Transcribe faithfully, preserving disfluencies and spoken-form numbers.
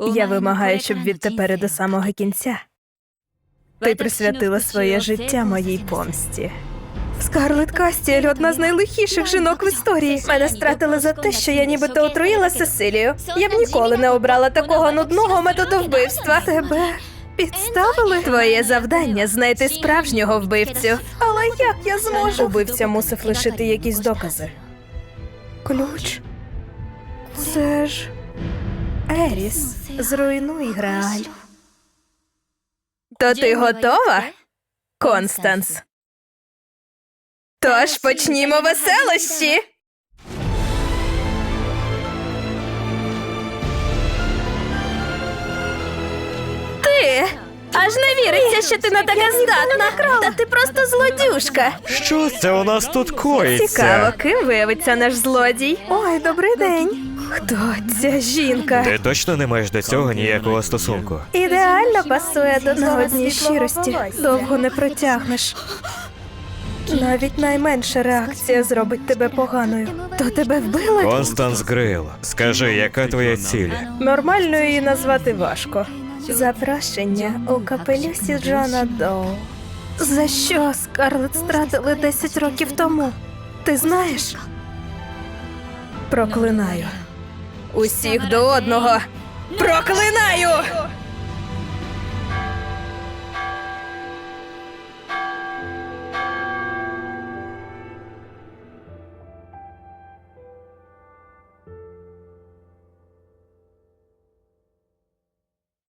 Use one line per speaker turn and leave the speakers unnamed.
Я вимагаю, щоб відтепер і до самого кінця ти присвятила своє життя моїй помсті. Скарлетт Кастіель – одна з найлихіших жінок в історії. Мене стратили за те, що я нібито отруїла Сесилію. Я б ніколи не обрала такого нудного методу вбивства. Тебе підставили? Твоє завдання – знайти справжнього вбивцю. Але як я зможу? Убивця мусив лишити якісь докази. Ключ? Це ж... Еріс, зруйнуй Грааль. То ти готова, Констанс? Тож почнімо веселощі! Ти! Аж не віриться, що ти не така здатна! Та ти просто злодюжка!
Що це у нас тут коїться?
Цікаво, ким виявиться наш злодій? Ой, добрий день! Хто ця жінка?
Ти точно не маєш до цього ніякого стосунку?
Ідеально пасує до на одній щирості. Довго не протягнеш. Навіть найменша реакція зробить тебе поганою. То тебе вбили?
Констанс Грейл, скажи, яка твоя ціль?
Нормально її назвати важко. Запрошення у капелюсі Джона Доу. За що Скарлетт стратили десять років тому? Ти знаєш? Проклинаю. Усіх до одного. Проклинаю!